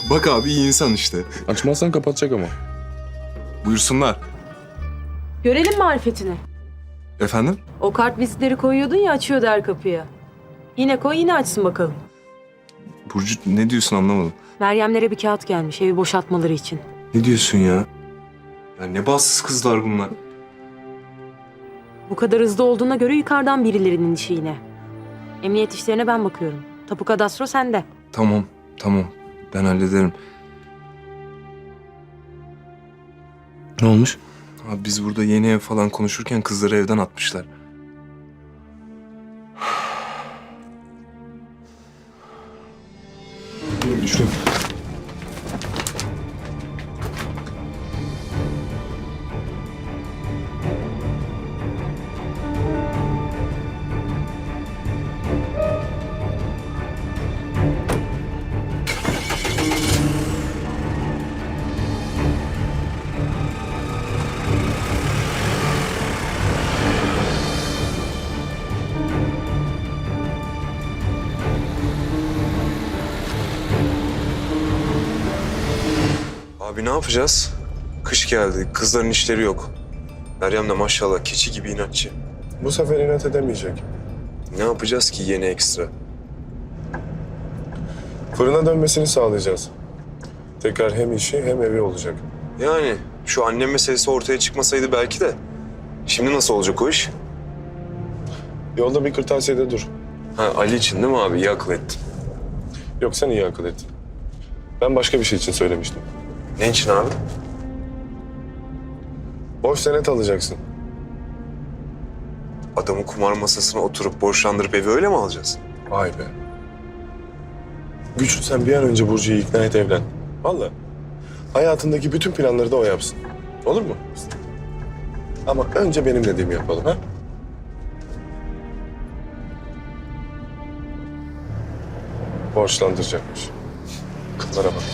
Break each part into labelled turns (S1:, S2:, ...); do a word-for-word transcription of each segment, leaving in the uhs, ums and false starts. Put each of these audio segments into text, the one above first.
S1: Bak abi iyi insan işte.
S2: Açmazsan kapatacak ama.
S1: Buyursunlar.
S3: Görelim marifetini.
S1: Efendim?
S3: O kart vizitleri koyuyordun ya, açıyordu her kapıya. Yine koy, yine açsın bakalım.
S1: Burcu ne diyorsun anlamadım.
S3: Meryemlere bir kağıt gelmiş evi boşaltmaları için.
S1: Ne diyorsun ya? Ya ne bahtsız kızlar bunlar.
S3: Bu kadar hızlı olduğuna göre yukarıdan birilerinin işi yine. Emniyet işlerine ben bakıyorum. Tapu kadastro sende.
S1: Tamam, tamam. Ben hallederim.
S2: Ne olmuş?
S1: Abi biz burada yeni ev falan konuşurken kızları evden atmışlar.
S2: Şuraya.
S1: Abi ne yapacağız? Kış geldi, kızların işleri yok. Meryem de maşallah keçi gibi inatçı.
S4: Bu sefer inat edemeyecek.
S1: Ne yapacağız ki yeni ekstra?
S4: Fırına dönmesini sağlayacağız. Tekrar hem işi hem evi olacak.
S1: Yani şu annem meselesi ortaya çıkmasaydı belki de. Şimdi nasıl olacak o iş?
S4: Yolda bir kırtasiyede dur.
S1: Ha Ali için değil mi abi? İyi akıl ettin.
S4: Yok sen iyi akıl ettin. Ben başka bir şey için söylemiştim.
S1: Ne için abi?
S4: Boş senet alacaksın.
S1: Adamı kumar masasına oturup borçlandırıp evi öyle mi alacağız?
S4: Vay be. Güçlü sen bir an önce Burcu'yu ikna et evlen. Vallahi. Hayatındaki bütün planları da o yapsın. Olur mu? Ama önce benim dediğimi yapalım ha? Borçlandıracakmış. Kızlara bak.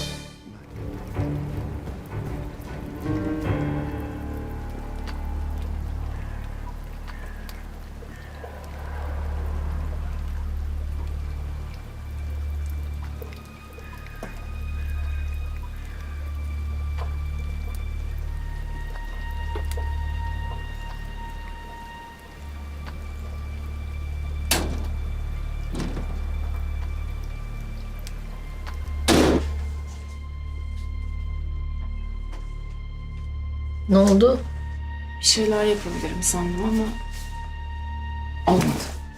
S5: Ne oldu?
S6: Bir şeyler yapabilirim sandım ama olmadı.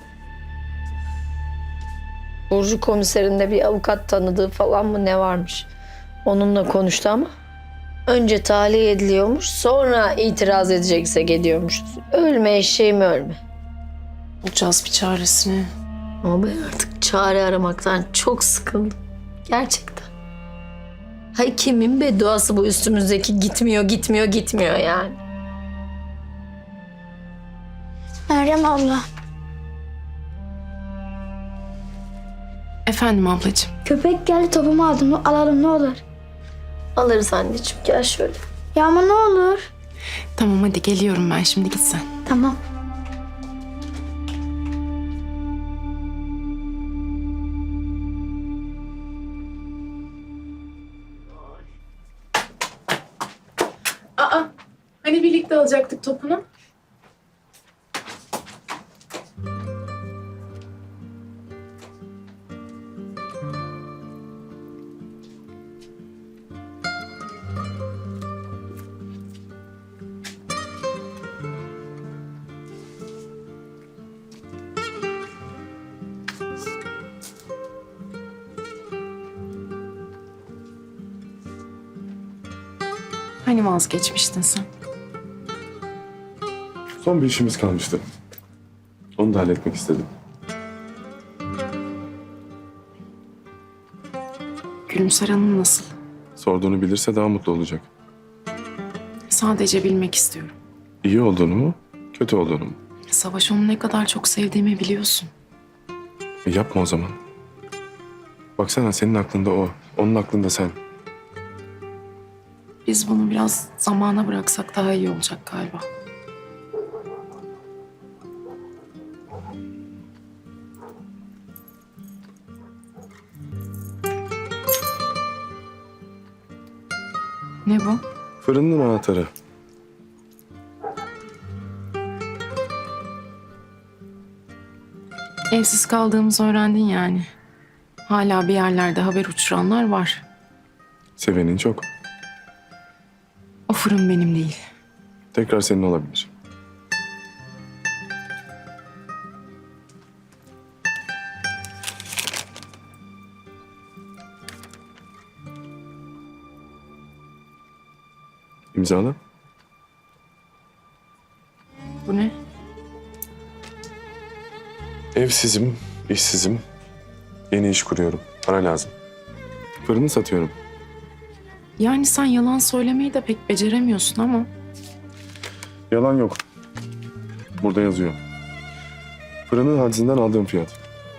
S5: Burcu komiserinde bir avukat tanıdığı falan mı ne varmış? Onunla konuştu ama önce tahliye ediliyormuş, sonra itiraz edecekse geliyormuş. Ölme eşeğim ölme.
S6: Bulacağız bir çaresini.
S5: Ama ben artık çare aramaktan çok sıkıldım. Gerçekten. Hay kimin bedduası bu üstümüzdeki gitmiyor, gitmiyor, gitmiyor yani.
S7: Meryem abla,
S6: Efendim ablacığım.
S7: köpek geldi topumu aldım. Alalım ne olur.
S5: Alırız anneciğim, gel şöyle.
S7: Ya ama ne olur.
S6: Tamam hadi geliyorum ben şimdi git sen.
S7: Tamam.
S6: Aa hani birlikte alacaktık topunu? Hani vazgeçmiştin sen?
S4: Son bir işimiz kalmıştı. Onu da halletmek istedim.
S6: Gülümser Hanım nasıl?
S4: Sorduğunu bilirse daha mutlu olacak.
S6: Sadece bilmek istiyorum.
S4: İyi olduğunu mu, kötü olduğunu mu?
S6: Savaş onu ne kadar çok sevdiğimi biliyorsun.
S4: E yapma o zaman. Baksana senin aklında o, onun aklında sen.
S6: Biz bunu biraz zamana bıraksak daha iyi olacak galiba. Ne bu?
S4: Fırının anahtarı.
S6: Evsiz kaldığımızı öğrendin yani. Hala bir yerlerde haber uçuranlar var.
S4: Sevenin çok.
S6: O fırın benim değil.
S4: Tekrar senin olabilir. İmzala.
S6: Bu ne?
S4: Evsizim, işsizim. Yeni iş kuruyorum. Para lazım. Fırını satıyorum.
S6: Yani sen yalan söylemeyi de pek beceremiyorsun ama.
S4: Yalan yok. Burada yazıyor. Fırının hadisinden aldığım fiyat.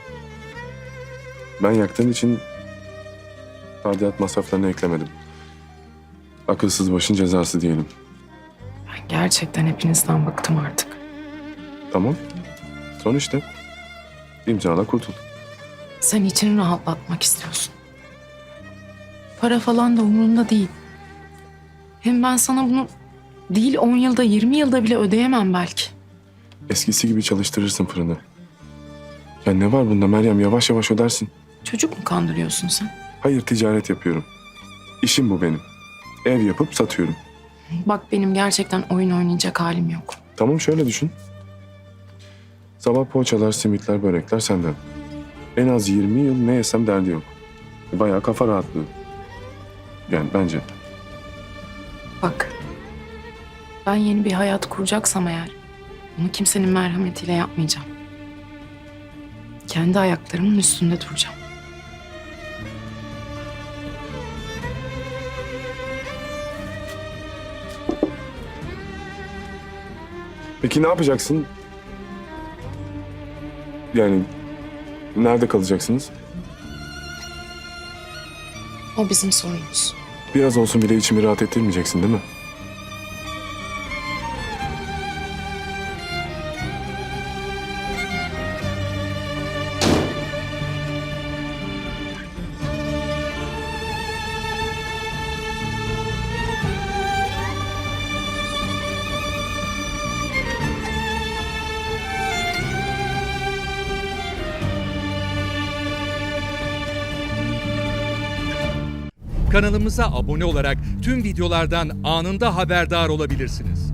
S4: Ben yaktığım için tadilat masraflarını eklemedim. Akılsız başın cezası diyelim.
S6: Ben gerçekten hepinizden bıktım artık.
S4: Tamam. Son işte. İmzala kurtul.
S6: Sen içini rahatlatmak istiyorsun. Para falan da umurunda değil. Hem ben sana bunu değil on yılda yirmi yılda bile ödeyemem belki.
S4: Eskisi gibi çalıştırırsın fırını. Ya ne var bunda Meryem? Yavaş yavaş ödersin.
S6: Çocuk mu kandırıyorsun sen?
S4: Hayır, ticaret yapıyorum. İşim bu benim. Ev yapıp satıyorum.
S6: Bak benim gerçekten oyun oynayacak halim yok.
S4: Tamam, şöyle düşün. Sabah poğaçalar, simitler, börekler senden. En az yirmi yıl ne yesem derdi yok. Bayağı kafa rahatlığı. Yani bence.
S6: Bak ben yeni bir hayat kuracaksam eğer bunu kimsenin merhametiyle yapmayacağım. Kendi ayaklarımın üstünde duracağım.
S4: Peki ne yapacaksın? Yani nerede kalacaksınız?
S6: O bizim sorunumuz.
S4: Biraz olsun bile içimi rahat ettirmeyeceksin değil mi?
S8: Kanalımıza abone olarak tüm videolardan anında haberdar olabilirsiniz.